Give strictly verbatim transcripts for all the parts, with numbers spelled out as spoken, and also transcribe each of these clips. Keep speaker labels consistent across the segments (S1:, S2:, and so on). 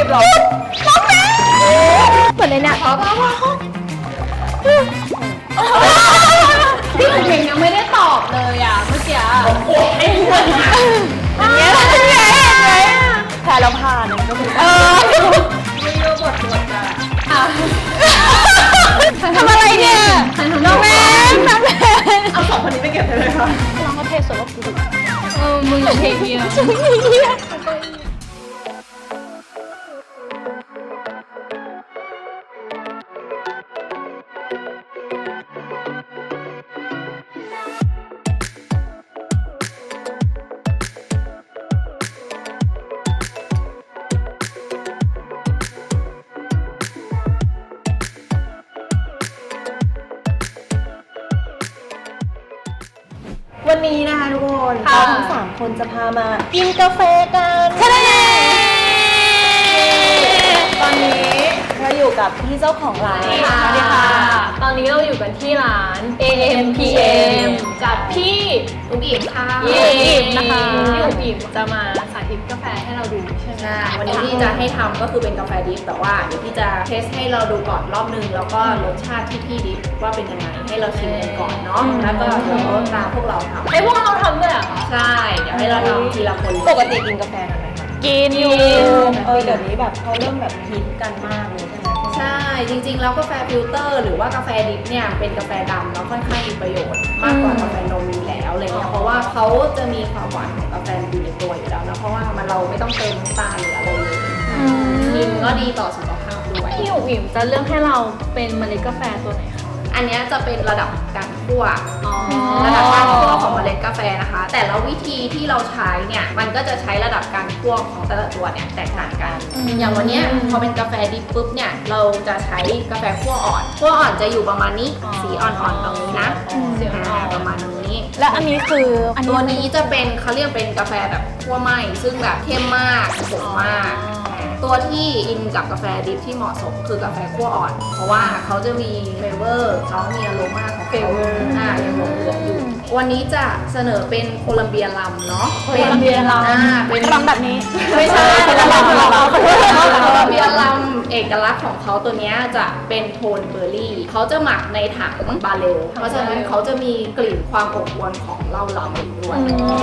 S1: หรอน้องแม่เหมือนในเนี่ยพอพอพอ
S2: พี่อุ๋งอิ๋งยังไม่ได้ตอบเลยอ่ะเมื่อกี้
S1: อันนี้อะไรแพ้แล้วผ่านก็คือเออ
S2: ไม่รู้บทบทอ่ะ
S1: ทำอะไรเนี่ยน้องแม่น้องแม่
S2: เอาสองคนนี้ไปเก็บไปเลยค่ะ
S1: น้องก็เทสวยว่ากู
S2: เออมึงเทเกียว
S1: วันนี้นะคะทุกคนเราทั้งสามคนจะพามากินกาแฟกันทะเลตอนนี้เราอยู่กับพี่เจ้าของร้าน
S2: สวัสดีค่ะตอนนี้เราอยู่กันที่ร้าน เอ เอ็ม พี เอ็ม กับพี่อุ๋งอิ๋งค่ะ
S1: พี่อุ๋งอิ๋งนะคะ
S2: พี่อุ๋งอิ๋งจะมาสาธิตกาแฟให้เราดูใช่ไหม
S3: วันนี้ที่จะให้ทำก็คือเป็นกาแฟดิฟแต่ว่าเดี๋ยวพี่จะเทสให้เราดูก่อนรอบนึงแล้วก็รสชาติที่พี่ดิฟว่าเป็นยังไงให้เราชิมกันก่อนเนาะแล้วก็เดี๋ยวตามพวกเราทำ
S2: ให้พวกเราทำด้วยเหรอคะ
S3: ใช่เดี๋ยวให้เราทำทีละคน
S1: ปกติกินกาแฟกันไหมคะ
S2: กินอยู่
S1: เออเดี๋ยวนี้แบบเขาเริ่มแบบฮิตกันมากเลยใช่ไหม
S3: ใช่จริงๆแล้วกาแฟฟิลเตอร์หรือว่ากาแฟดิฟเนี่ยเป็นกาแฟดำแล้วค่อนข้างมีประโยชน์มากกว่ากาแฟนมอยู่แล้วอะไรเงี้ยเพราะว่าเขาจะมีความหวานของกาแฟอยู่ในตัวอยู่แล้วนะเพราะว่ามันเราไม่ต้องเติมน้ำตาลหรืออะไรเลยกินก็ดีต่อสุขภาพด้วย
S2: พี่อุ๋งอิ๋งจะเลือกให้เราเป็นเมล็ดกาแฟตัวไหนคะ
S3: อันนี้จะเป็นระดับการคั่วระดับการคั่วของเมล็ดกาแฟนะคะแต่ละวิธีที่เราใช้เนี่ยมันก็จะใช้ระดับการคั่วของแต่ละตัวเนี่ยแตกต่างกันอย่างวันนี้พอเป็นกาแฟดิบปุ๊บเนี่ยเราจะใช้กาแฟคั่วอ่อนคั่วอ่อนจะอยู่ประมาณนี้สีอ่อนๆตรงนี้นะสีอ่อนๆประมาณนี้
S1: และอันนี้คือ
S3: ตัวนี้จะเป็นเขาเรียกเป็นกาแฟแบบคั่วไหม้ซึ่งแบบเข้มมากขมมากตัวที่อินกับกาแฟดิฟที่เหมาะสมคือกาแฟคั่วอ่อนเพราะว่าเขาจะมีเฟเวอร์เขามีอโรมาของเฟเวอร์อ่ายังหลงเหลืออยู่วันนี้จะเสนอเป็นโคลัมเบียลัมเนาะ
S2: โคลัมเบียลัม
S3: อ่าเป็น
S1: ลัมแบบนี้
S3: ไม่ใช่โคลัมเบียลัมโคลัมเบียลัมเอกลักษณ์ของเขาตัวนี้จะเป็นโทนเบอร์รี่เขาจะหมักในถังบาเรลเพราะฉะนั้นเขาจะมีกลิ่นความอบอวลของเหล้าลัมด้วย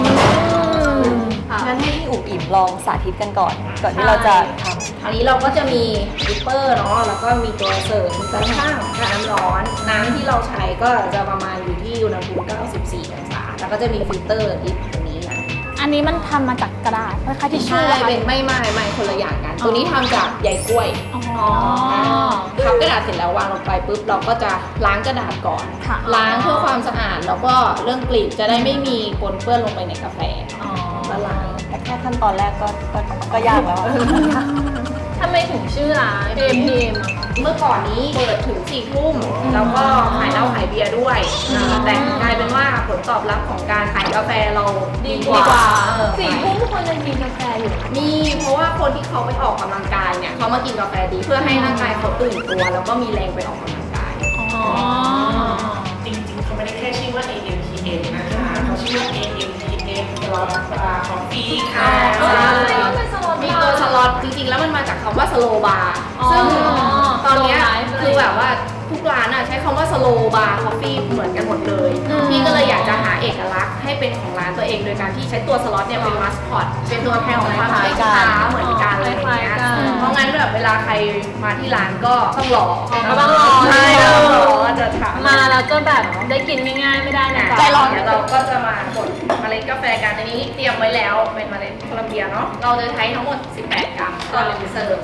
S1: งั้นให้พี่อุ๋งอิ๋งลองสาธิตกันก่อนก่อนที่เราจะทำ
S3: อันนี้เราก็จะมีดิปเปอร์เนาะแล้วก็มีตัวเสริมกระทั่งน้ำร้อนน้ำที่เราใช้ก็จะประมาณอยู่ที่อุณหภูมิเก้าสิบสี่องศาแล้วก็จะมีฟิลเตอร์ดิปตรงนี้นะ
S1: อันนี้มันทำมาจากกระดาษคล้ายๆทิชชู่
S3: ใช่เป็นไม่ไม่ไม่คนละอย่างกันตัวนี้ทำจากใยกล้วยพับกระดาษเสร็จแล้ววางลงไปปุ๊บเราก็จะล้างกระดาษก่อนล้างเพื่อความสะอาดแล้วก็เรื่องกลิ่นจะได้ไม่มีปนเปื้อนลงไปในกาแฟละลาย
S1: แต่แค่ขั้นตอนแรกก็ก็ก็ยากแล้ว
S2: ทำไมถึงชื่อร้าน เอ เอ็ม พี เอ็ม
S3: เมื่อก่อนนี้เปิดถึงสี่ทุ่มแล้วก็ขายเหล้าขายเบียร์ด้วยแต่กลายเป็นว่าผลตอบรับของการขายกาแฟเราดีกว่า
S2: สี่ทุ่มทุกคนยังกินกาแฟอยู่
S3: มีเพราะว่าคนที่เขาไปออกกำลังกายเนี่ยเขามากินกาแฟดีเพื่อให้ร่างกายเขาตื่นตัวแล้วก็มีแรงไปออกกำลังกาย
S4: จริงๆเขาไม่ได้แค่ชื่อว่า เอ เอ็ม พี เอ็ม นะคะเขาชื่อว่า เอ เอ็ม พี เอ็ม สล็อตคอฟฟี่ค่ะ
S3: มีตัวสล็อตจริงๆแล้วมันมาจากคำว่าสโลบาร์ซึ่งตอนนี้คือแบบว่าทุกร้านใช้คำว่าสโลบาร์คอฟฟี่เหมือนกันหมดเลยพี่ก็เลยอยากจะหาเอกลักษณ์ให้เป็นของร้านตัวเองโดยการที่ใช้ตัวสล็อตเนี่ยเป็นมาสคอตเป็นตัวแทนของความเป็นค้าเหมือนกันเลยนะเพราะงั้นแบบเวลาใครมาที่ร้านก็ต้องรอ
S2: ก็ต้องรอ
S3: ใช่ต้องรอจะถาม
S2: มาแล้วก็แบบได้กินง่ายๆไม่ได้นะ
S3: ใจร้อนเราก็จะมากดเมล็ดกาแฟกันอันนี้เตรียมไว้แล้วเป็นเมล็ดโคลัมเบียเนาะเราจะใช้ทั้งหมดสิบแปดกรัมต่อหนึ่งเสิร์ฟ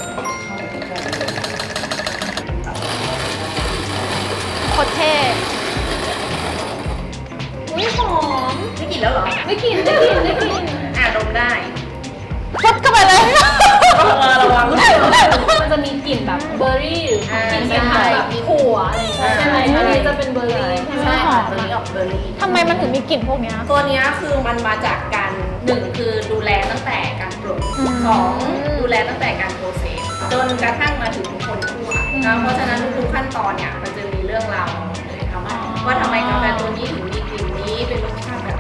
S1: โคตรเท่
S2: อุ้ยหอม
S3: ได้กลิ่นแล้วเหรอ
S2: ได้กลิ่นได้กลิ่นได้กลิ่น
S3: อ่ะดมได้
S1: ฟดเข้าไปเลย
S3: ระวัง
S2: มันจะมีกลิ่นแบบเบอร์รี่หรือกลิ่นแบบถั่วอะไรใช่ไหมอันนี้จะเป็นเบอร์รี่ใช่ไหม
S3: ค่ะตัวนี้ออกเบอร์รี่
S1: ทำไมมันถึงมีกลิ่นพวกนี้
S3: ตัวนี้คือมันมาจากการหนึ่งคือดูแลตั้งแต่การปรุงสองดูแลตั้งแต่การโปรเซสจนกระทั่งมาถึงคนคั่วนะเพราะฉะนั้นทุกขั้นตอนเนี่ยมันจะมีเรื่องราวเลยทำว่าว่าทำไมกาแฟตัวนี้ถึงมีกลิ่นนี้เป็นรสชาติแบบนี้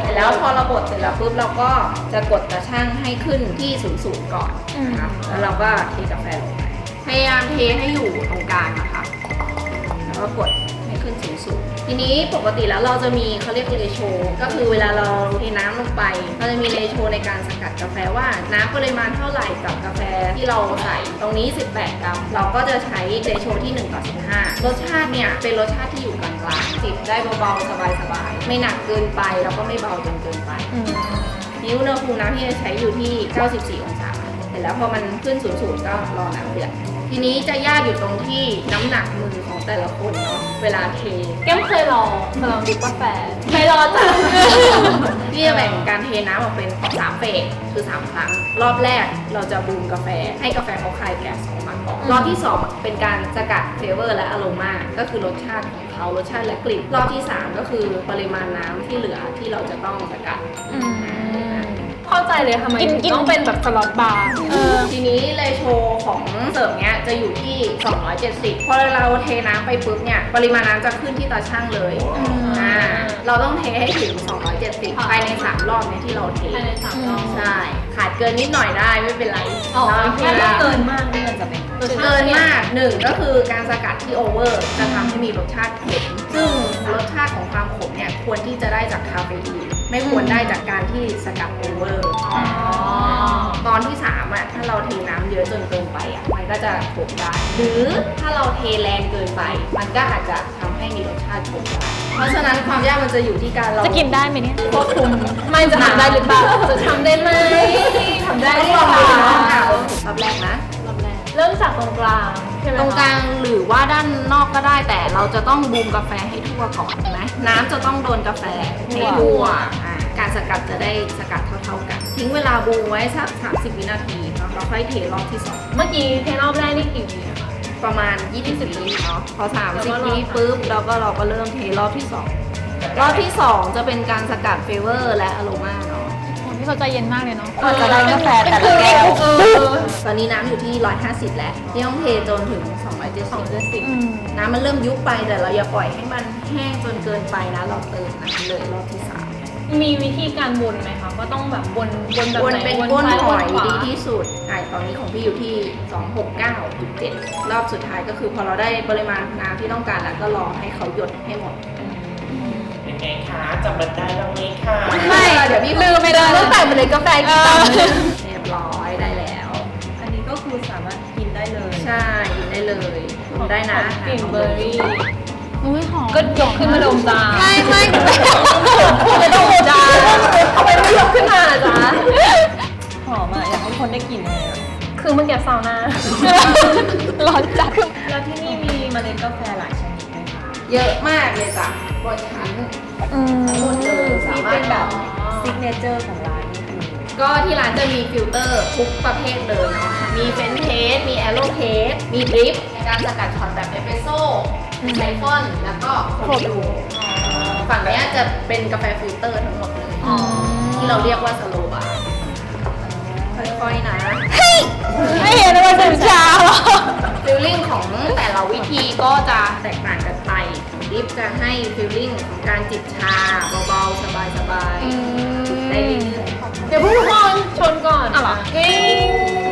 S3: เสร็จแล้วพอเราบดเสร็จแล้วปุ๊บเราก็จะกดตะช่างให้ขึ้นที่ศูนย์ศูนย์ก่อนนะคะแล้วเราก็เทกาแฟลงไปพยายามเทให้อยู่ตรงกลางนะคะแล้วก็กดให้ขึ้นสูงสุดทีนี้ปกติแล้วเราจะมีเขาเรียกเรโชก็คือเวลาเราเทน้ำลงไปเราจะมีเรโชในการสกัดกาแฟว่าน้ำปริมาณเท่าไหร่กับกาแฟที่เราใส่ตรงนี้สิบแปดกรัมเราก็จะใช้เรโชที่หนึ่งต่อสิบห้ารสชาติเนี่ยเป็นรสชาติที่อยู่กลางๆจิบได้เบาๆสบายๆไม่หนักเกินไปแล้วก็ไม่เบาจนเกินไปนี่อุณหภูมิน้ำที่จะใช้อยู่ที่เก้าสิบสี่องศาเสร็จแล้วพอมันขึ้นสูงๆก็รอน้ำเดือดทีนี้จะยากอยู่ตรงที่น้ำหนักมือของแต่ละคนเนาะเวลาเท
S2: แก้มเคยลองเคยลองดิบกาแฟไม่รอจ้ะ
S3: พี่จะแบ่งการเทน้ำออกเป็นสามเฟสคือสามครั้งรอบแรกเราจะบูมกาแฟให้กาแฟเขาคลายแก๊สออกมาก่อนรอบที่สองเป็นการสกัดเฟเวอร์และอโรมาก็คือรสชาติของเขารสชาติและกลิ่นรอบที่สามก็คือปริมาณน้ำที่เหลือที่เราจะต้องสกัด
S2: เข้าใจเลยทำไมถึงต้องเป็นแบบสล็อตบาร์
S3: ทีนี้เรโชของเสิร์ฟเนี้ยจะอยู่ที่สองร้อยเจ็ดสิบพอเราเทน้ำไปปุ๊บเนี่ยปริมาณน้ำจะขึ้นที่ตาช่างเลยอ่าเราต้องเทให้ถึงสองร้อยเจ็ดสิบภายในสามรอบเนี่ยที่เราเท
S2: ภายในสามรอบ
S3: ใช่ขาดเกินนิดหน่อยได้ไม่เป็นไร
S2: อ๋อ
S3: เนาะ
S2: โอเค
S1: ถ้าเกินมากนี่มันจะเป็น
S3: เกินมากหนึ่งก็คือการสกัดที่โอเวอร์จะทำให้มีรสชาติขมซึ่งรสชาติของความขมเนี่ยควรที่จะได้จากคาเฟอีนไม่ควรได้จากการที่สกัดโอเวอร์ตอนที่สามอ่ะถ้าเราเทน้ำเยอะจนเกินไปอ่ะมันก็จะขมได้หรือถ้าเราเทแรงเกินไป มันก็อาจจะทำให้มีรสชาติขมได้เพราะฉะนั้นความยากมันจะอยู่ที่การเรา
S1: จะกินได้ไหมเนี่ย
S3: ควบคุม
S2: ไม่จะทำได้หรือเปล่าจะทำได้ไหมทำได้
S3: ต้อง
S2: ห
S3: ล
S2: รือ
S3: อง
S2: เป
S3: ดู
S2: ล่า
S3: นะรอบแรกนะ
S2: รอบแรกเริ่มจากตรงกลางใช่ไหม
S3: ตรงกลางหรือว่าด้านนอกก็ได้แต่เราจะต้องบูมกาแฟให้ทั่วก่อนเห็นไหมน้ำจะต้องโดนกาแฟให้ทั่วอ่าการสกัดจะได้สกัดเท่าๆกัน ทิ้งเวลาบูมไว้สักสามสิบวินาทีเนาะเราค่อยเทรอบที่สอง
S2: เมื่อกี้เทรอบแรกนี่กี่วิอะคะ
S3: ประมาณยี่สิบวิเนาะพอสามสิบวิปุ๊บเราก็เราก็เริ่มเทรอบที่สองรอบที่สองจะเป็นการสกัดเฟเวอร์และอโรมาเนาะ
S1: พี่เขาใจเย็นมากเลยเนาะกว่าจะได้กาแฟแต่ละแก้ว
S3: ตอนนี้น้ำอยู่ที่หนึ่งร้อยห้าสิบแล้วที่ต้องเทจนถึงสองร้อยเจ็ดสิบ
S1: อืม
S3: น้ำมันเริ่มยุบไปแต่เราอย่าปล่อยให้มันแห้งจนเกินไปนะเราเติมน้ำเลยรอบที่สาม
S2: มีวิธีการวนไหมคะก็ต้องแบบวนวนแบบ
S3: วน
S2: ไหน
S3: เป็นก้น
S2: ซ้า
S3: หอย
S2: วนขวา
S3: ดีที่สุดอ่ะตอนนี้ของพี่อยู่ที่ สองหกเก้าจุดเจ็ด รอบสุดท้ายก็คือพอเราได้ปริมาณน้ำที่ต้องการแล้วก็รอให้เขาหยดให้หมด
S4: เป็นไงคะจำมันได้บ้างไหมคะ
S3: ไม่เดี๋ยวพี่ลืมไม่ได้ต้องใส่มาเลยกาแฟกี่ตังค์เรียบร้อยได้แล้ว
S1: อันนี้ก็คือสามารถกินได้เลย
S3: ใช่กินได้เลยกินได้นะ
S2: กลิ่นเบอร์รี่
S1: อุ้ยหอม
S2: ก็ยกขึ้นมาดมจ้า
S3: ไม่ไม่
S2: ไม่ต้องดมจ้าทำไมไม่ยกขึ้นมาล่ะจ๊ะ
S1: หอมอ่ะอยากให้คนได้กลิ่นเลยอะ
S2: คือเมื่อกี้ซาวน่า
S1: ร้อนจัดแล้วที่นี่มีเมล็ดกาแฟหลายชนิดไหมคะ
S3: เยอะมากเลยจ้ะบนชั้น
S1: อืม
S3: หมดเลยสามารถ
S1: เป็นแบบซิกเนเจอร์ของร้านนี่คือ
S3: ก็ที่ร้านจะมีฟิลเตอร์ทุกประเภทเลยเนาะ มีเฟรนช์เพรส มีแอโรเพรส มีดริปการสกัดช็อตแบบเอสเปรสโซ่ไซฟอน แล้วก็โคดูฝั่งเนี้ยจะเป็นกาแฟฟิลเตอร์ทั้งหมดเลย ที่เราเรียกว่าสโลบาร์ค่อยๆนะ
S1: ไม่เห็นว่าถึงเช้า
S3: ฟิลลิ่งของแต่ละวิธีก็จะแตกต่างกันไปดริปจะให้ฟิลลิ่งของการจิบชาเบาๆ สบายๆจิบได้เรื่อยๆ
S2: เดี๋ยวพวกทุกคนชนก่อนอ่ะเหรอกิ้ง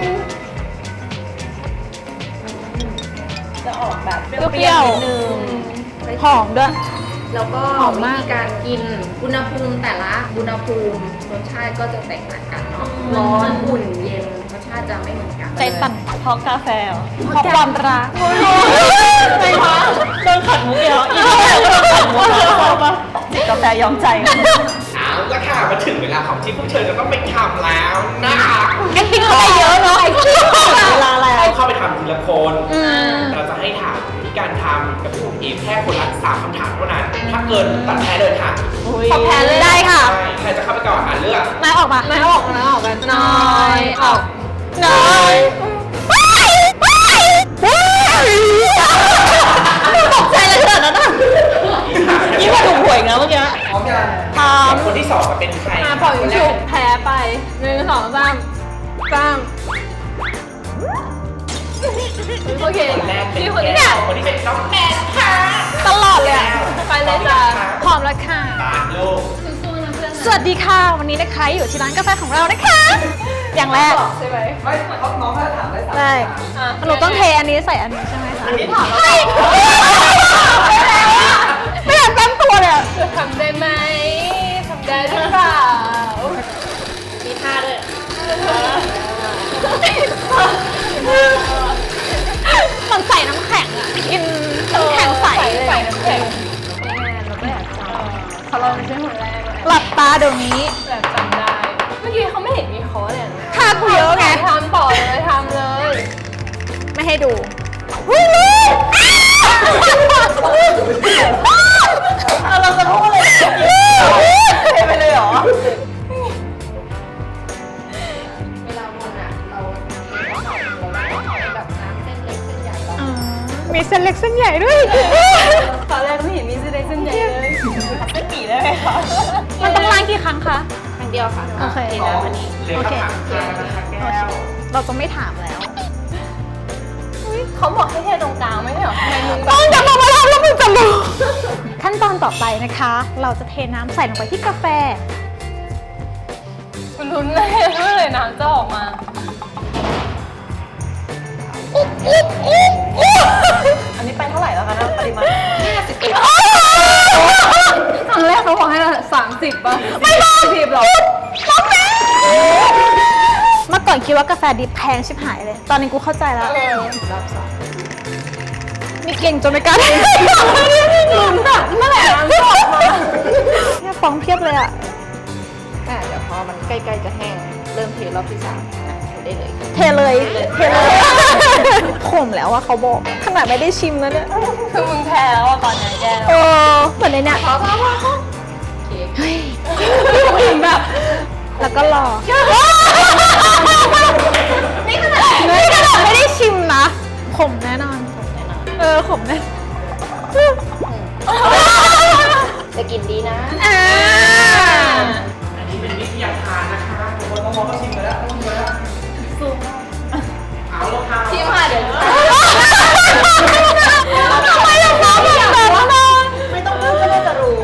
S1: จะออกแบบเปรี้ยวๆนิดนึงหอมด้วย
S3: แล้วก็
S1: หอม
S3: วิ
S1: มาก
S3: ธีการกินอุณหภูมิแต่ละอุณหภูมิรสชาติก็จะแตกต่างกันเนาะร้อนอุ่นเย็นรสชาติจะไม่เหมือนกัน
S1: ใจสั่นเพราะกาแฟเหรอเพราะความรักไม่พะโดนขัดมุกเดียวอีกแล้วโดนขัดมุกแล้วชอบปะจิบกาแฟยอมใจ
S4: เอาละค่ะมาถึงเวลาของที่พวกเธอจะต้องไปทำแล้วนะคะ
S1: กันกินเข้าไปเยอะเนาะเวลาแล้ว
S4: เอาเข้าไปทำทีละคน
S1: อืม
S4: เราจะให้ถามวิธีการทำกับผมเองแค่คนละสามคำถามเท่านั้น ถ้าเกินตัดแพ้เลยค่ะ
S1: ขอแพ้เลยได้ค่ะ
S4: ใช่ใครจะเข้าไปก่อนอ่ะเลือก
S1: นายออกมา
S2: นายออกนะออกกันน้อยออก
S1: นายตกใจเลยขนาดนั้นอ่ะยิ่งกว่าถูกหวยนะเมื่อกี้
S4: พร้อมยัง
S1: พร้อม
S4: คนที่สองจะเป็นใคร
S2: อ่ะปล่อยยิงฉุบแพ้ไปหนึ่งสองสามสามโอเค
S4: คนแรกเป็น
S2: พี่คนนี้
S4: แก้วคนที่เป็นน้องแนนค่ะ
S1: ตลอดเลยอะ
S2: ไปเลยจ้ะ
S1: พร้อมแล้วค่ะ
S4: ปาดลูก
S2: สู้ๆนะเพื่อนนะ
S1: สวัสดีค่ะ วันนี้นะคะอยู่ที่ร้านกาแฟของเรานะคะ อย่างแรก
S3: ใช่ไหม
S5: ไม่เขาน้องเขาถามได้สาม
S1: ได้หนูต้องเทอันนี้ใส่อันนี้ใช่ไหมคะ
S5: อันนี้ถาม
S1: เฮ้ยไม่อยากตั้งตัวเลยอะ
S2: ทำได้ไหมทำได้หรือเปล่า
S3: มีท่าด้วย
S1: มันใส่น้ำแข็งอะกินน้ำแข็งใสเลย
S2: ใส่น้ำแข็งเราก็อยากจำเขาเราไม่ใช่คนแรกเลย
S1: หลับตาเดี๋ยวนี้
S2: แต่จำได้ เมื่อกี้เขาไม่เห็นมีคอร์สเลยนะ
S1: ท่ากูเยอะไง
S2: ทำต่อเลยทำเลย
S1: ไม่ให้ดูหุ้ยเราจะพูดอะไรเทไปเลยเหรอ
S3: เวลาวนอ่ะเราเราแบบน้ำเส้นเล็กเส้นใหญ่เรา
S1: มีเส้นเล็กเส้นใหญ่ด้วย
S2: ตอนแรกไม่เห็นมีเส้นเล็กเส้นใหญ่เลย
S1: เส้นหมี่ได้ไหมคะ มันต้องล้างกี่ครั้งคะ
S3: ครั้งเดียวค่ะ
S1: โอเค
S3: เทน้ำอันนี้
S4: เหลือคำถามสุดท้ายแล้วนะคะแก้ว
S1: เราจะไม่ถามแล้ว
S2: เขาบอกให้เทตรงกลางไม่ใช่เหรอทำไมมึงแบ
S1: ต้
S2: บ
S1: องจะมามาแล้วแล้วมึงจะรู้ ขั้นตอนต่อไปนะคะ เราจะเทน้ำใส่ลงไปที่กาแฟ
S2: คุณลุ้นเลยเมื่อไหร่น้ำจะออกมา
S1: อันนี้ไปเท่าไหร่แล้วคะนะปริมาณ
S2: ครั้งแรกเขาบอกให้สามสิบป่ะไม่ต้องสิบหรอ
S1: เมื่อก่อนคิดว่ากาแฟดิบแพงชิบหายเลย ตอนนี้กูเข้าใจแล้ว
S3: รอบสอง
S1: มีเก่งจนไม่กล้าท
S2: ลุ้นแบบเมื่อไหร่น้ำจะออกมา
S1: ำเนี่ยฟองเพียบเลยอะ
S3: อ่ะเดี๋ยวพอมันใกล้ๆจะแห้งเริ่มเทรอบที่สามอ่ะเทได้เลย
S1: เทเลย เทเลย ขมแล้วอะเขาบอก ขนาดไม่ได้ชิมแล้วเนี่ย
S2: คือมึงแพ้แล้วอะตอนนี้แก
S1: เออเหมือนในเนี่ย
S3: พอพอพอพอโอเค
S1: เฮ้ย
S2: ถึงแบบ
S1: แล้วก็รอ นี่ขนาดนี่ขนาดไม่ได้ชิมนะ ขมแน่นอน เออ ขมแน่
S3: จะกินดีนะ
S1: อ่า
S4: อันนี้เป็นวิทยาทานนะคะ
S5: คนน้องเขาชิมไปแล้วชิมไปแล้ว
S4: เอาแล้วค่ะ
S3: ที่มาเดี๋ยว
S1: ทำไมล่ะคะแบบนั้นนะ
S3: ไม่ต้องพูดก็น่าจะรู้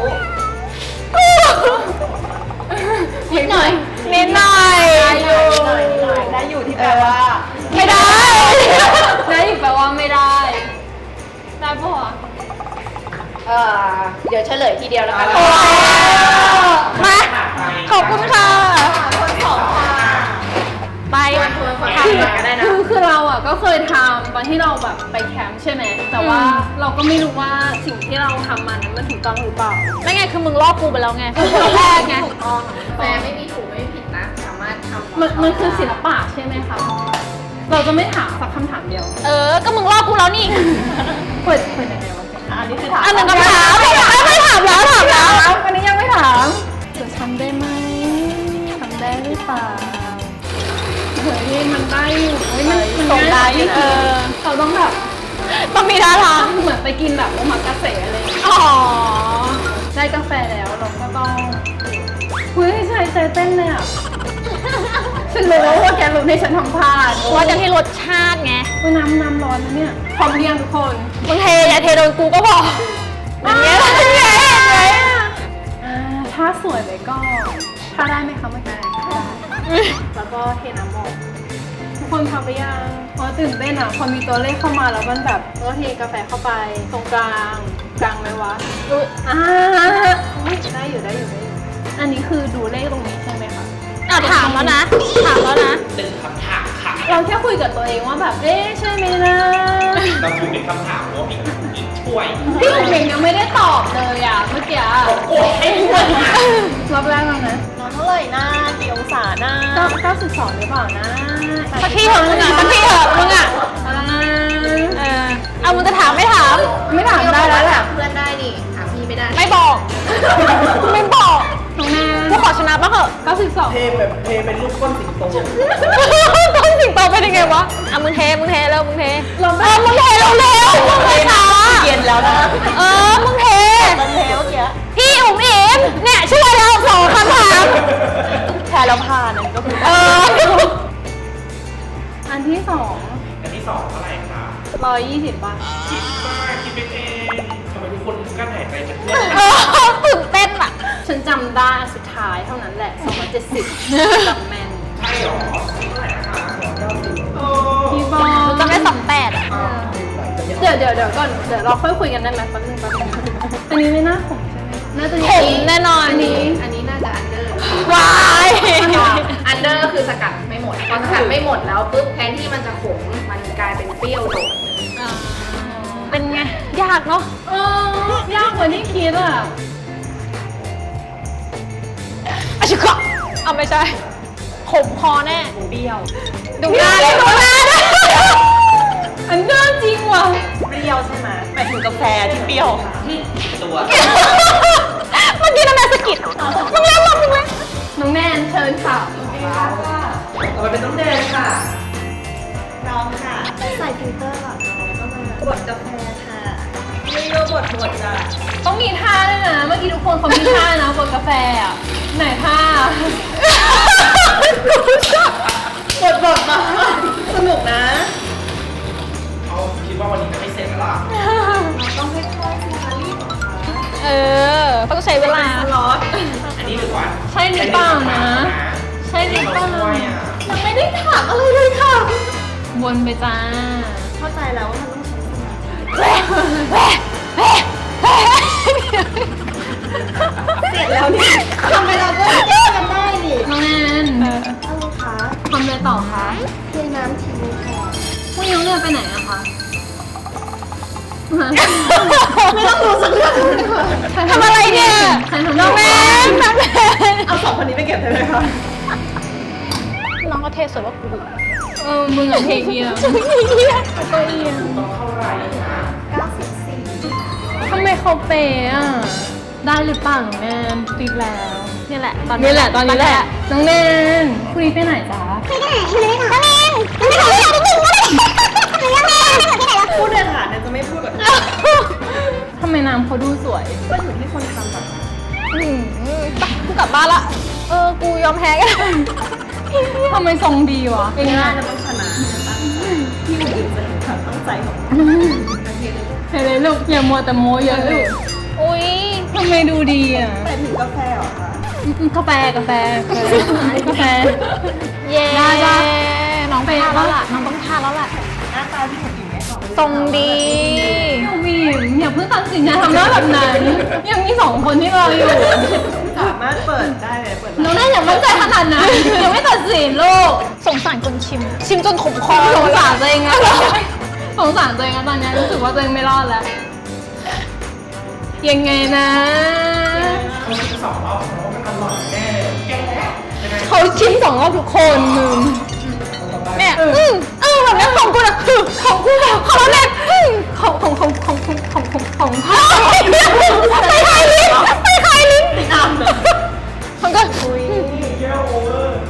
S3: นิดหน่อย
S1: นิดหน่อย
S3: ได้อยู่ที่แปลว่า
S1: ไม่ได้
S2: ได้อีกแปลว่าไม่ได้ ได้ปะวะ
S3: เออเดี๋ยวเฉลยทีเดียวแล้วกัน
S1: โอเคมา ขอบคุณค่ะ
S3: คนสองค่ะ
S1: ไป
S3: คนคนทำก็ได้นะ
S2: คือคือเราอ่ะก็เคยทำตอนที่เราแบบไปแคมป์ใช่ไหมแต่ว่าเราก็ไม่รู้ว่าสิ่งที่เราทำมานั้นมันถูกต้องหรือเปล่า
S1: ไม่ไงคือมึงลอกกูไปแล้วไงตอนแรกไง
S3: ถูกต้องแฟนไม่มีถูกไม่มีผิดนะ สามารถทำ
S2: มันมันคือศิลปะใช่ไหมคะ เราจะไม่ถามสักคำถามเดียว
S1: เออ ก็มึงลอกกูแล้วนี่
S2: เปิดเปิดยังไงวะ
S3: อันนี้คือถาม
S1: อันหนึ่งคำถามไม่ถามไม่ถามแล้วถามแล้ว
S2: อันนี้ยังไม่ถามจะทำได้ไหมทำได้หรือเปล่าเฮ้ยมันได้อยู่เฮ้ยมันมัน
S1: ส่งได้
S2: ง่าย
S1: เออ
S2: เราต้องแบบ
S1: ต้องมีท่าทาง
S2: เหมือนไปกินแบบโอมากาเสะอะไรอย่างเงี้ย
S1: อ๋อ
S2: ได้กาแฟแล้วเราก็ต้องเฮ้ยใจใจเต้นเลยอ่ะ ฉันรู้ว่าแกรู้ในฉันทำพลาด
S1: ว่าจะที่รสชาติไง
S2: ว่าน้ำน้ำร้อนนะเนี่ยพร้อมเรียงทุกคน
S1: มึงเทอย่าเทโดนกูก็พออย่างเงี้ยอย่างเงี้ย
S2: อ่าถ้าสวยเลยก็ถ้าได้ไหมคะเมื่อกี้ได้แล้วก็เทน้ำออกทุกคนทำไปยังเพราะตื่นเต้นอ่ะพอมีตัวเลขเข้ามาแล้วมันแบบก็เทกาแฟเข้าไปตรงกลางกลางไหมวะอ่าอุ๊ยได้อยู่ได้อยู่ได้อยู่อันนี้คือดูเลขตรงนี้ใช่ไหมคะ
S1: อ่ะถามแล้วนะ ถามแล้วนะ
S4: หนึ่งคำถามค่ะ
S2: เราแค่คุยกับตัวเองว่าแบบเอ๊ะใช่ไหมนะ
S4: เราคือเป็นคำถามว่าพี่พี่ช่วย
S2: พี่หนุ่มเองยังไม่ได้ตอบเลยอ่ะเมื่อกี้อะ
S4: โอ้ยให้ด้วยนะ
S2: รอบแรกแล้วนะ
S3: นอนเท่าไหร่นะกี่องศานะ
S2: เก้าเก้าสิบสองหรือเปล่านะ
S1: สักทีเถอะมึงอ่ะสักทีเถอะมึงอ่ะ
S2: อ่า
S1: เออเอามึงจะถามไม่ถาม
S2: ไม่ถามได้แล้วแหละ
S3: เพื่อนได้นี่ถามพี่ไม่ได้
S1: ไม่บอก ไม่บอก
S2: น้องแน
S1: กูขอชนะบ้างเถอะ
S2: เก้าสิบสอง
S5: เทแบบเทเป็นรูปก้นสิงโต
S1: ต้องสิงโตเป็นยังไงวะอ่ะมึงเท มึงเทเร็วมึงเท
S2: เรา
S1: เอ
S2: ไม่
S1: อมึงเทเร็วเร็วมึงเทช้า
S3: เย็นแล้วนะ
S1: เออ มึงเท
S3: มันเทเมื่อกี้
S1: พี่อุ๋มอิ๋มเนี่ยช่วยเราสองคำถาม
S3: แพ้แล้วผ่านนั่นก็คือ
S1: เออ
S2: อันที่สอง
S4: อันที่สองเท่าไหร่คะ
S2: ร้อยยี่สิบป่ะ
S4: คิดว่าคิดเป็นเองทำไมทุกคนกลั้นหายใจเป็นเพื่อน
S1: เออตื่นเต้นอ่ะ
S2: ฉันจำได้อันสุดท้ท้ายเท่านั้นแหละสองร้อยเจ็ดสิบจำแมน
S4: ใช่หรอเท่าไหร่นะคะโอ้
S2: พี่บอล
S1: จะไม่สองแปดอ่ะ
S2: เดี๋ยวเดี๋ยวเดี๋ยวก่อนเดี๋ยวเราค่อยคุยกันได้ไหมแป๊บนึงแป๊บนึงอันนี้ไม่น่าขมใช่ไหมน่าจะ
S1: ขมแน่นอน
S2: อันนี้
S3: อันนี้น่าจะอันเดอร์
S1: วาย
S3: อันเดอร์คือสกัดไม่หมดพอสกัดไม่หมดแล้วปุ๊บแทนที่มันจะขมมันกลายเป็นเปรี้ยวโดด
S1: เป็นไง ยากเนาะ
S2: เออยากกว่าที่คิดอ่ะ
S1: อาชิคะเอาไม่ใช่ขมคอแน่
S5: เปรี้ยว
S1: ดูหน้าเลยดูหน้าเลย
S2: อันเดอร์จริงว่ะ
S5: เปรี้ยวใช่ไหมหมายถึงกาแฟที่เปรี้ยวตัว
S1: เมื่อกี้น้ำแม่สะกิดมึงเล่นลมมึงเล่น
S2: น้องแนนเชิญค่ะ
S5: ต่อไปเป็นน้ำแดงค่ะพร้อมค่ะ
S1: ใส่ฟิลเตอร์ก่อน
S5: บดกาแฟค่ะไม่โยบดบดจ้ะ
S2: ต้องมีท่าด้วยนะ เมื่อกี้ทุกคนเขามีท่านะบนกาแฟอ่ะ ไหนท่า
S5: บดบดมาสนุกนะ
S4: เขาคิดว่าวันนี้จะไม่เสร็จแล้วล่ะ
S1: เออต้องใช้เวลา
S5: สล็อต
S4: อันนี้ดีกว่า
S2: ใช่หรือเปล่านะ ใช่หรือเปล่า
S4: ช่วยอ่ะ
S1: ยังไม่ได้ถามอะไรเลยค่ะ
S2: วนไปจ้า
S5: เข้าใจแล้วว่ามันต้องใช้สมาธิ
S1: แหวะแหวะแหวะแหวะ
S5: เสร็จแล้วนี่ทำไมเราก็แก้กันได้นี่
S2: น้องแนน
S5: อะไรคะ
S2: ทำอะไรต่อคะ
S5: เทน้ำทิ้งค่ะ
S2: พรุ่งนี้น้องแนนไปไหนอะคะ
S5: ไม่ต้องรู้สักเรื่องเลยค่ะ
S1: ทำอะไรเนี่ย
S2: ใครทำ
S1: น้องแม่น้องแม่
S5: เอาสองคนนี้ไปเก็บได้ไหมคะ
S1: น้องก็เทสวยว่ากู
S2: เออ มึงอะเทเกียร์
S1: ก็เอียง
S4: ต้องเท่าไหร่นะ
S2: ทำไมเขาเปย์อะได้หรือเปล่าน้องแนนติดแล้ว
S1: นี่แหละตอน
S2: นี่แหละตอนนี้แหละ น้องแนนพรุ่งนี้ไปไหนจ๊ะ
S5: พูดเลยค่ะเนี่ยจะไม่พูดแบบนี้
S2: ทำไมน้ำเขาดูสวย
S5: ก็อยู่ที่คนทำแบบนั้น
S1: อืมไปกูกลับบ้านละ เออ กูยอมแพ้กัน
S2: ทำไมทรงดีวะ
S5: เองนะจะต้องชนะตั้งใจที่อื่นจะเห็นความตั้งใจของเรา
S2: เห็นเลยลูกอย่ามัวแต่โม้เยอะลูก
S1: อุ้ย
S2: ทำไมดูดีอ่ะ
S5: แต่ถึงกาแฟเหรอคะ
S2: อืมกาแฟกาแฟกาแฟ
S1: เย้
S2: ได้จ้ะ
S1: น้องไปทานแล้วล่ะ น้องต้องทานแล้วล่ะ
S5: หน้าตาที่คนอื่นไม่ออก
S1: ทรงดี
S2: พี่วิมอย่าเพิ่งตัดสินนะทำหน้าแบบนั้น ยังมีสองคนที่รออยู่
S5: สามารถเปิดได้เลยเปิด
S2: น้องน่าอย่ามั่นใจขนาดนั้นยังไม่ตัดสินลูก
S1: สงสารคนชิม ชิมจนขมคอ
S2: สงสารตัวเองอะสงสารตัวเองอะตอนนี้รู้สึกว่าตัวเองไม่รอดแล้ว ยังไงนะ
S4: เขาชิมสองรอบเพราะว่ามันอร่อยแน่เลยแกยังไง
S2: เขาชิมสองรอบทุกคนมึง
S1: แม่อืมเออแบบนี้ของกูนะคือของกูของเราแม่อืม
S2: ของของของของของของของของ
S1: ไปคายลิ้นไปคายลิ้น
S5: ติดตามเลย
S1: มันก็
S4: เยอะโอเวอร์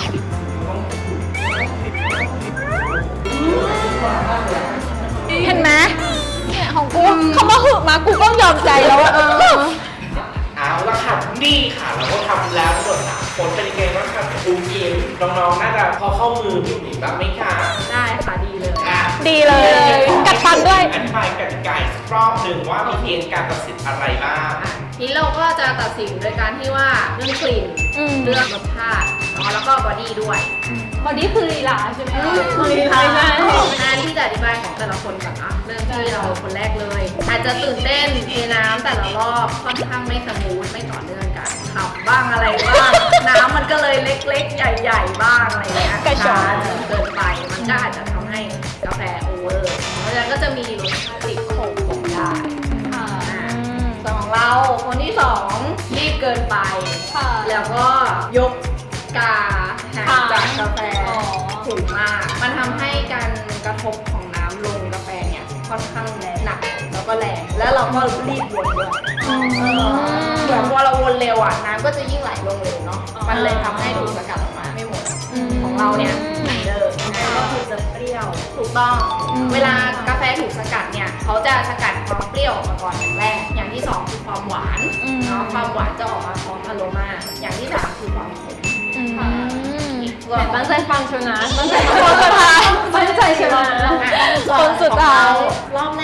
S1: เห็นไหมเนี่ยของกูเขามาหึมากูก็ยอมใจแล้วอะเออ
S4: เอาละค่ะนี่ค่ะเราก็ทำแล้วทั้งหมดสามคนเป็นยังไงบ้างคะครูเกมน้องๆน่าจะพอเข้ามือผิวดีบ้างไหมคะ
S3: ได้ค่ะดีเลย
S4: อ่ะ
S1: ดีเลย กัดฟันด้วย
S4: อธิบายกติกาอีกสักรอบหนึ่งว่ามีเกณฑ์การตัดสินอะไรบ้าง
S3: ทีนี้เราก็จะตัดสินโดยการที่ว่าเรื่องกลิ่น
S1: อืม
S3: เรื่องรสชาติเนาะแล้วก็บอดี้ด้วย
S2: บอดี้คือลีลาใช่ไหม
S5: ลีลา
S2: ใช่
S3: งานที่จะอธิบายของแต่ละคนก่อนนะเริ่มที่เราคนแรกเลย อาจจะตื่นเต้นเทน้ำแต่ละรอบค่อนข้างไม่สมูทไม่ต่อเนื่องกันขับบ้างอะไรบ้าง น้ำมันก็เลยเล็กๆ ใหญ่ๆบ้างอะไรเงี้ย
S1: กระชอน
S3: จนเกินไปมันก็อาจจะทำให้กาแฟโอเวอร์เพราะฉะนั้นก็จะมีรสชาติติดขมของได้
S2: ค่ะ
S3: อ่าส่วนของเราคนที่สองรีบเกินไป
S2: ค่ะ
S3: แล้วก็ยกกาห่างจากกาแฟ
S2: อ๋อ
S3: สูงมาก มันทำให้การกระทบของน้ำลงกาแฟเนี่ยค่อนข้างแรงหนักแล้วก็แรง แล้วเราก็รีบวนด้วยเหมือนพอเราวนเร็วอ่ะน้ำก็จะยิ่งไหลลงเร็วเนาะ มันเลยทำให้ดูดสกัดออกมาไม่หมด ของเราเนี่ยอันเดอร์ก็คือจะเปรี้ยว ถูกต้อง เวลากาแฟถูกสกัดเนี่ยเขาจะสกัดความเปรี้ยวออกมาก่อนอย่างแรก อย่างที่สองคือความหวานเนาะ ความหวานจะออกมาพร้อมอโรมา อย่างที่สามคือความขม
S1: อืม
S2: แต่ตั้งใจฟังเชียวนะตั้งใจฟังคนสุดท้ายตั้งใจเชียวนะ
S3: คนสุดท้ายรอบแรกเ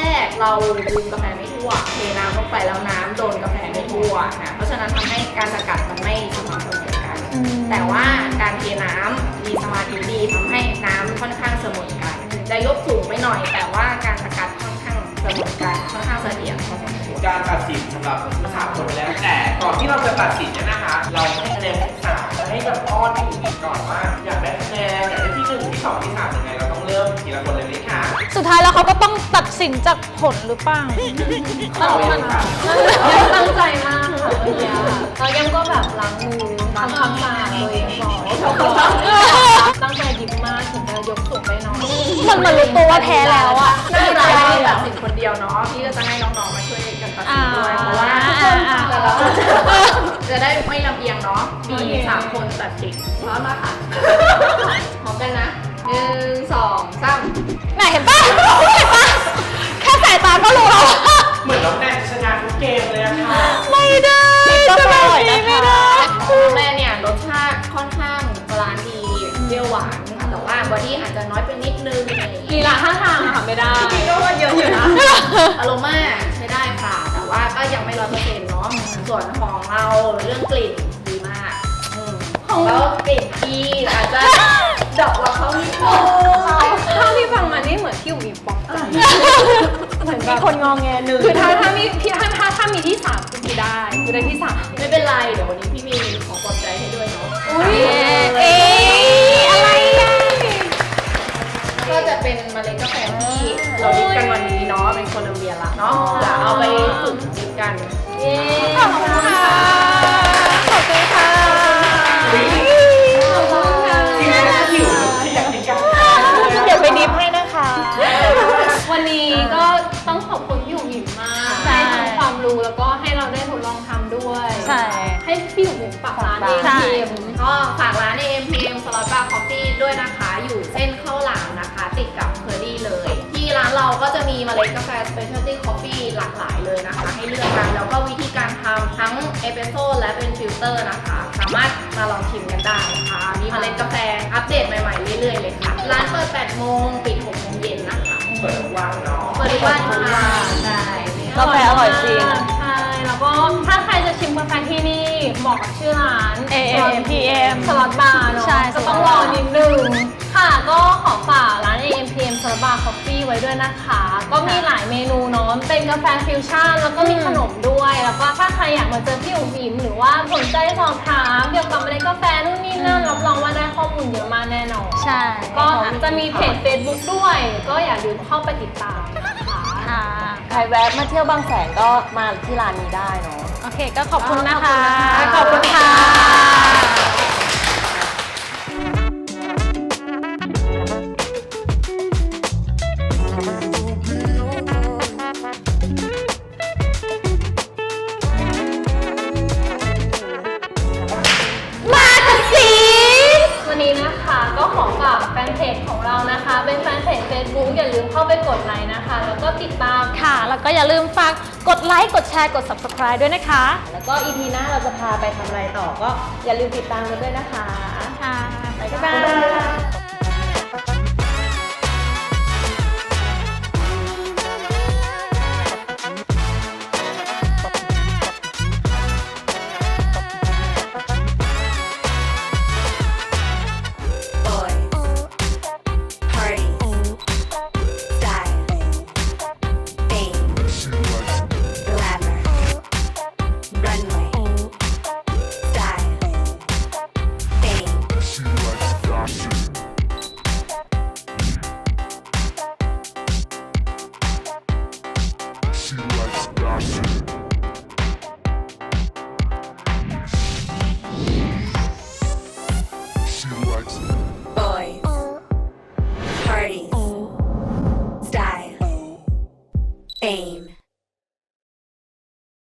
S3: เราดื่มกาแฟไม่ทั่วเทน้ำลงไปแล้วน้ำโดนกาแฟไม่ทั่วนะเพราะฉะนั้นทำให้การสกัดมันไม่สม่ำเสมอกันแต่ว่าการเทน้ำมีสมาธิดีทำให้น้ำค่อนข้างเสมอกันจะยกสูงไปหน่อยแต่ว่าการสกัดค่อนข้างเสมอกันค่อนข้างเสถียรพอสมควร
S4: การตัดสินสำหรับสามคนไปแล้วแต่ก่อนที่เราจะตัดสินเนี่ยนะคะ เราให้คะแนนที่สามจะให้แบบอ้อนที่อื่นก่อนว่าอยากได้คะแนนอยากได้ที่หนึ่งที่สองที่สามยังไงเราต้องเริ่มทีละคนเลยไหมคะ
S1: สุดท้ายแล้วเขาก็ต้องตัดสินจากผลหรือเปล่า
S4: เอาเลยค่ะ
S2: ตั้งใจมากค่ะเมื่อกี้ค่ะเรายังก็แบบล้างมือทำความสะอาดตัวเองก่อนตั้งใจดิบมากถึงจะยกสูงไปหน่อย
S1: มันเหมือนรู้ตัวว่าแพ้แล้วอะ
S3: ไม่เป็นไรไม่ตัดสินคนเดียวเนาะพี่ก็จะให้น้องๆมาช่วยกันตัดสินด้วยเพราะว่าทุกคนแต่เราจะได้ไม่ลำเอียงเนาะมีสามคนตัดสินพร้อมมาค่ะพร้อมกันนะหนึ่งสองสาม
S1: ไหนเห็นปะเห็นปะแค่สายตาก็รู้แล้ว
S4: เหมือนน้องแนนชนะทุกเกมเลยอะค่ะ
S1: ไม่ได้จะแบบนี้ไม่ได้
S3: ของแม่เนี่ยรสชาติค่อนข้างบาลานซ์ดีเปรี้ยวหวานแต่ว่าบอดี้อาจจะน้อยไปนิดนึงอะไรอย่าง
S2: ลี
S3: เงี้ย
S2: ลาท่าทางอะค่ะไม่ได้
S5: พี่ก็ว่าเยอะอยู่นะ
S3: อารมณ์ใช้ได้ค่ะ แต่ว่าก็ยังไม่ร้อยเปอร์เซ็นต์เนาะส่วนของเราเรื่องกลิ่นดีมากอืมแล้วกลิ่นที่อาจจะดอกเราเขานิดนึง
S2: เท่าที่ฟังมานี่เหมือนพี่อุ๋มอิมป๊อกใจเหมือนแบ
S1: มี
S2: บ
S1: คนงองแงหนึ่ง
S2: คือถ้าถ้ามีพี่ถ้าถ้าถ้ามีที่สามคือพี่ได้คือได้ที่สาม
S3: ไม่เป็นไรเดี๋ยววันนี้พี่มีของปลอบใจให้ด้วยเนาะ
S2: อุ้ย
S1: เอ๊ะอะไรอ่ะ
S3: ก็จะเป็นเมล็ดกาแฟที่เราดิบกันวันนี้เนาะเป็นโคลัมเบียละเนาะเดี๋ยวเอาไปฝึกดิบกัน
S1: ขอบคุณค่ะ ขอบคุณค่ะ
S4: ทีนี้ก็หิวที่อยากกินกัน
S1: เดี๋ยวไปดิฟให้นะคะ
S2: วันนี้ก็ต้องขอบคุณพี่อุ๋มอิมมาก
S1: ใช่
S2: ให้ทั้งความรู้แล้วก็ให้เราได้ทดลองทำด้วย
S1: ใช่
S2: ให้พี่อุ๋มอิมฝากร้านเอง
S1: ใช่
S2: ทีม
S3: ก็ฝากร้าน เอ็ม พี เอ็ม Slot Bar Coffee ด้วยนะคะ อยู่เส้นข้าวหลามนะคะ ติดกับเคอรี่เลย ที่ร้านเราก็จะมีเมล็ดกาแฟ Specialty Coffee หลากหลายเลยนะคะ ให้เลือกกัน แล้วก็วิธีการทำทั้งเอสเปรสโซ่และเป็นฟิลเตอร์นะคะ สามารถมาลองชิมกันได้นะคะ มีเมล็ดกาแฟอัปเดตใหม่ๆ เรื่อยๆเลยค่ะ ร้านเปิด แปดโมง ปิด หกโมงเย็นนะคะ
S4: เปิดทุกวันเนาะ
S3: เปิดทุกวันค่ะใช่
S1: กาแฟอร่อยจริง
S2: ใช่ แล้วก็ถ้าใครจะชิมกาแฟที่นี่เหมาะกับชื่อร้าน
S1: เอ เอ็ม พี เอ็ม
S2: สล็อตบาร์เนาะ
S1: ใช่
S2: ก็ต้องรอนิดนึง ค่ะ ก็ขอฝากร้าน เอ เอ็ม พี เอ็ม สล็อตบาร์คอฟฟี่ไว้ด้วยนะคะ ก็มีหลายเมนูเนาะ เป็นกาแฟฟิวชั่น แล้วก็มีขนมด้วย แล้วก็ถ้าใครอยากมาเจอพี่อุ๋มอิ๋มหรือว่าสนใจสอบถามเกี่ยวกับเมล็ดกาแฟนู่นนี่นั่น รับรองว่าได้ข้อมูลเยอะมากแน่นอน
S1: ใช่
S2: ก็จะมีเพจ Facebook ด้วย ก็อย่าลืมเข้าไปติดตามนะคะ
S1: ค่ะ
S5: ใครแวะมาเที่ยวบางแสนก็มาที่ร้านนี้ได้เนาะ
S1: โอเค ก็ขอบคุณนะคะ
S5: ข
S1: ข
S5: อ
S1: อ
S5: บบ คุ
S1: คุณ ณ
S5: ค่ะ
S1: ค่ะ มาค่ะสิ
S2: วันนี้นะคะก็ขอฝากแฟนเพจของเรานะคะ เป็นแฟนเพจ Facebook อย่าลืมเข้าไปกดไลค์นะคะ แล้วก็ติดตาม
S1: ค่ะ แล้วก็อย่าลืมฝากกดไลค์ กดแชร์ กด subscribe ด้วยนะคะ
S5: แล้วก็ อี พี หน้าเราจะพาไปทำอะไรต่อก็อย่าลืมติดตามกันด้วยนะคะ
S1: ค่ะ บ๊าย
S5: บ๊าย
S1: บา
S5: บาย
S1: ย
S6: Boys, party, style, fame, glamour, runway, style, fame.
S7: She likes fashion. She likes fashion. She likes
S6: Boys, parties, style, fame.